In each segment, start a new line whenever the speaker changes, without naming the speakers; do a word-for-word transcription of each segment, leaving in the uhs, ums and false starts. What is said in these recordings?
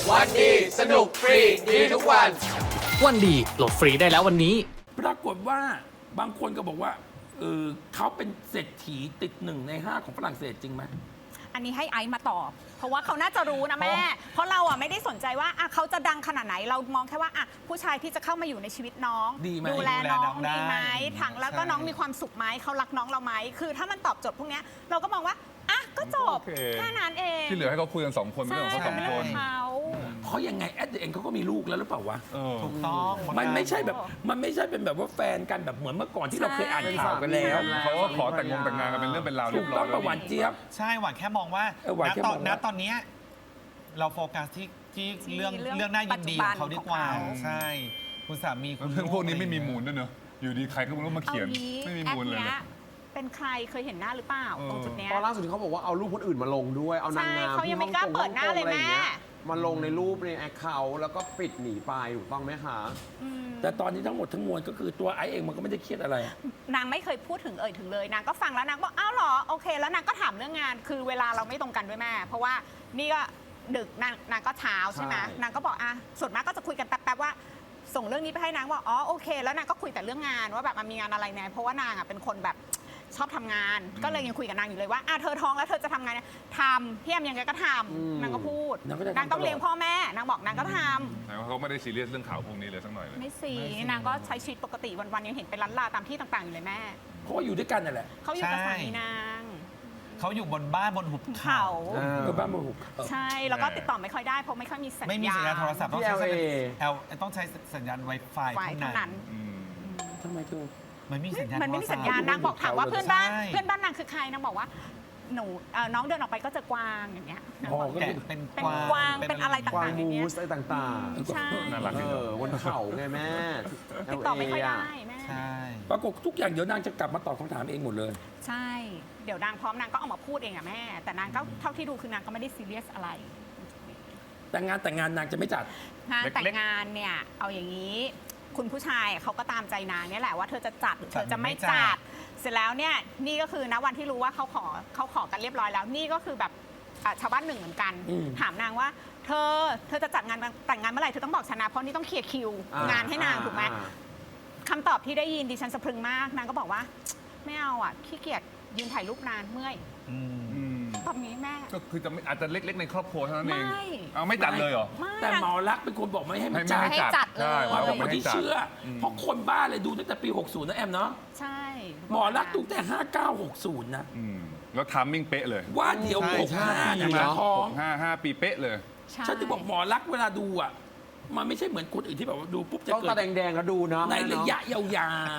วันดีสนุกฟรีดีทุกวัน
วันดีโหลดฟรีได้แล้ววันนี้
ปรากฏว่าบางคนก็บอกว่าเออเขาเป็นเศรษฐีติดหนึ่งในห้าของฝรั่งเศสจริงไหม
อันนี้ให้ไอซ์มาตอบ เพราะว่าเขาน่าจะรู้นะแม่ เพราะเราอ่ะไม่ได้สนใจว่าอ่ะเขาจะดังขนาดไหน เรามองแค่ว่าอ่ะผู้ชายที่จะเข้ามาอยู่ในชีวิตน้อง
ดีไหม
ดูแลน้อง
ดูแลน้องได้
ดีไหมทั้งแล้วก็
ใช่
น้องมีความสุขไหมเขารักน้องเราไหมคือถ้ามันตอบโจทย์พวกเนี้ยเราก็มองว่าอ่ะก็จบ
โอเค
แค่นั้นเอง
ที่เหลือให้เขาคุยกันสองคนไม่
ใช่
ต้องเขาสองคน
เขา
เพราะยังไงแอดเองเขาก็มีลูกแล้วหรือเปล่าวะ
เออ
ถูกต้อง
มันไม่ใช่แบบมันไม่ใช่เป็นแบบว่าแฟนกันแบบเหมือนเมื่อก่อนที่เราเคยอ่านข่าวกันแล้ว
เขาก็ขอแต่งงงแต่งงานกันเป็นเรื่องเป็นราว
ถู
เรีย
ก
บร้
ต้
อ
อย งประวัติเจี๊ยบ
ใช่หวานแค่มองว่า
เออหวาน
ณ
แค่
ต
ม
อ
อน ง
ณ
ว่า
ตอนเนี้ยเราโฟกัสที่ที่เรื่องเรื่องน่ายินดีของเขาดีกว่า ใช่ คุณสามีคุณ
เรื่องพวกนี้ไม่มีมูลด้วยเนอะอยู่ดีใครก็ไม่รู้มา
เอา
เขียน
งี้
ไม่มี
แอ
มู
ป
ลเลย
เนี้ย
นะ
เป็นใครเคยเห็นหน้าหรือเปล่า
เออ
ตรงจุดเนี้ย
ตอนล่าสุดที่เขาบอกว่าเอารูปคนอื่นมาลงด้วย เอานางงาม
ใช่เขายังไม่กล้าเปิดหน้าเลยแม่
มาลงในรูปในแอคเคาท์แล้วก็ปิดหนีไปถูกต้องไหมคะ
อืม
แต่ตอนนี้ทั้งหมดทั้งมวลก็คือตัวไอซ์เองมันก็ไม่ได้เครียดอะไร
นางไม่เคยพูดถึงเอ่ยถึงเลยนางก็ฟังแล้วนางบอกอ้าวเหรอโอเค แล้วนางก็ถามเรื่องงานคือเวลาเราไม่ตรงกันด้วยแม่ เพราะว่านี่ก็ดึกนางนางก็เช้าใช่ไหม
ใช่
นางก็บอกอ่ะส่วนมากก็จะคุยกันแป๊บๆว่า ส่งเรื่องนี้ไปให้นางว่าอ๋อโอเค แล้วนางก็คุยแต่เรื่องงานว่าแบบมันมีงานอะไรไงเพราะว่านางอ่ะเป็นคนแบบชอบทำงาน ก็เลยยังคุยกับนางอยู่เลยว่าอ่ะเธอท้องแล้วเธอจะทำงานเนี่ยทำพี่แอมยังไงก็ทำนางก็พูด
นางก็จะทำ
นางต้อง
ตลอด
เลี้ยงพ่อแม่นางบอกนางก็ทำ
แต่ว่าเขาไม่ได้ซีเรียสเรื่องข่าวพวกนี้เลยสักหน่อยเลย
ไม่สีนางก็ใช้ชีวิตปกติวันๆยังเห็นไปร้านลาตามที่ต่างๆอยู่เลยแม่
เพราะว่าอยู่ด้วยกันนั่นแหละ
เขาอยู่กับสามีนาง
เขาอยู่บนบ้านบนหุบ
เขา
เออ
เออบ้านบุก
ใช่แล้วก็ติดต่อไม่ค่อยได้เพราะไม่ค่อยมีสัญญาณ
ไม่มีสัญญาณโทรศัพท์ต้องใช้
ที่
แอลต้องใช้สัญญาณ Wi-Fi
ไว้เท่า
เท่า
นั้
นั้น น
อืม
ทำไมเธอ
มันไม่มีสัญญาณ
มันไม่มีสัญญาณ
โทรศัพท์
นางบอกถามว่าเพื่อนบ้าน
ใช่
เพื่อนบ้านนางคือใครนางบอกว่าหนูเอ่อน้องเดินออกไปก็เจอกวางอย่างเงี้ยนางบอก
อ๋อก็
แกะเป็น
เป็นกวางเป็นอะไร
กวาง
ต่างๆอย่าง
มู
เงี้ย
สอะไรต่าง
ใช่
น่ารัก
ๆ เอ
ดีเน
อ
อะ
บนเขาไงแม่
ติดต่อไม่ค่อย
แอล
ได้
เะ
แม่
ใช่
ปรากฏทุกอย่างเดี๋ยวนางจะกลับมาตอบคำถามเองหมดเลย
ใช่ เดี๋ยวนางพร้อมนางก็ออกมาพูดเองอะแม่ แต่นางก็เท่าที่ดูคือนางก็ไม่ได้ซีเรียสอะไร
แต่งานแต่งงานนางจะไม่จัด
งาน
เล็กๆ
แต่งงานเนี่ยเอาอย่างนี้ คุณผู้ชายเขาก็ตามใจนางเนี่ยแหละว่าเธอจะจัดหรือเธอจะไม่จัด เสร็จแล้วเนี่ยนี่ก็คือณวันที่รู้ว่าเขาขอเขาขอกันเรียบร้อยแล้ว นี่ก็คือแบบอ่ะชาวบ้านหนึ่งเหมือนกัน
อืม
ถามนางว่า เธอเธอจะจัดงานแต่งงานเมื่อไหร่เธอต้องบอกฉันนะเพราะนี่ต้องเคลียร์คิว
อ่าง
งานให้นาง
อ่า
ถูกไหม
อ่า
คำตอบที่ได้ยินดิฉันสะพรึงมากนางก็บอกว่าไม่เอาอ่ะขี้เกียจยืนถ่ายรูปนานเมื่อย
อืม
อืม
ตอบนี้แม่
ก็คือจะไม่อาจจะเล็กๆในครอบครัวเท่านั้นเอง
ไม่
เอาไม่จัดเลยเหรอ
ไม่
แต่
นาง
หมอรักษณ์เป็นคนบอกไม่ให้
ให้
มัน
ไม่
จัด
ให้
ให้จัดเลย
ใช่
หมอเป็น
ไม่
คน
ให้
ที่
จัด
เชื่ออ
ม
เพราะคนบ้าเลยดูตั้งแต่ปี หกสิบ นะแอมเนาะ
ใช่
หมอรักษณ์ดูแต่ห้าเก้าหกศูนย์นะ
อืมแล้วทามมิ่งเป๊ะเลย
ว่าเดี๋ยว
ใช่
หกห้า
ใช่
เนี่ย
ใช่
จะท้อง
ห้าห้าปีเป๊ะเลย
ใช่
ฉันจะบอกหมอรักษณ์เวลาดูอ่ะ มันไม่ใช่เหมือนคนอื่นที่แบบว่าดูปุ๊บจะ
ต้อง
เกิ
ตา
ด
แดงๆแล้วดูเนาะ
ในระยะยาว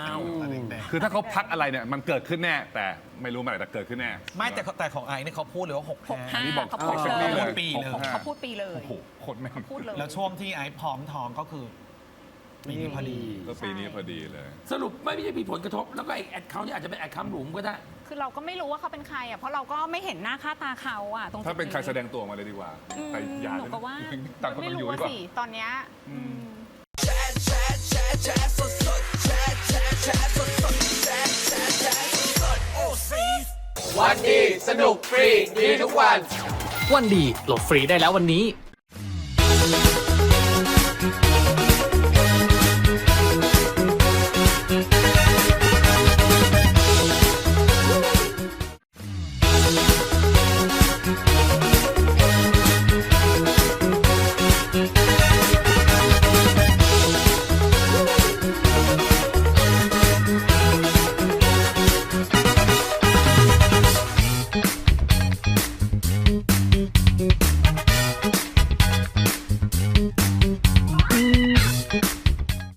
คือถ้าเขาพักอะไรเนี่ยมันเกิดขึ้นแน่ แต่ไม่รู้เมื่อไหร่แต่เกิดขึ้นแน่
ไม่แต่แต่ของไอซ์เนี่ยเขาพูดเลยว่าหก
หกห้า
นี่บอก
เขาพูด
เซ็ก
เล
ซี่
ย
เลย
ปีเลย
หกห้า
เขาพูดปีเลย
โอ้โหโคตรแม่ง
พูดเลย
แล้วช่วงที่ไอซ์พร้อมท้องก็คือปีนี้พอดี
ก็ปีนี้พอดีเลย
ๆ สรุปไม่ได้มีผลกระทบ แล้วก็ไอ้แอดเขาเนี่ยอาจจะเป็นแอดคำหลุมก็ได้
คือเราก็ไม่รู้ว่าเขาเป็นใครอ่ะเพราะเราก็ไม่เห็นหน้าค่าตาเขาอ่ะตรงจุด
ถ้าเป็นใครแสดงตัวมาเลยดีกว่า
อืม
แต่อย่า
หนู
เลย
ก็ว่า
ต่างคน
ไม่
ต่างอยู่
รู้
ดี
ว่าก
ว่า
สิตอนเนี้ยอืม
วันดีสนุกฟรีดีทุกวัน
วันดีโหลดฟรีได้แล้ววันนี้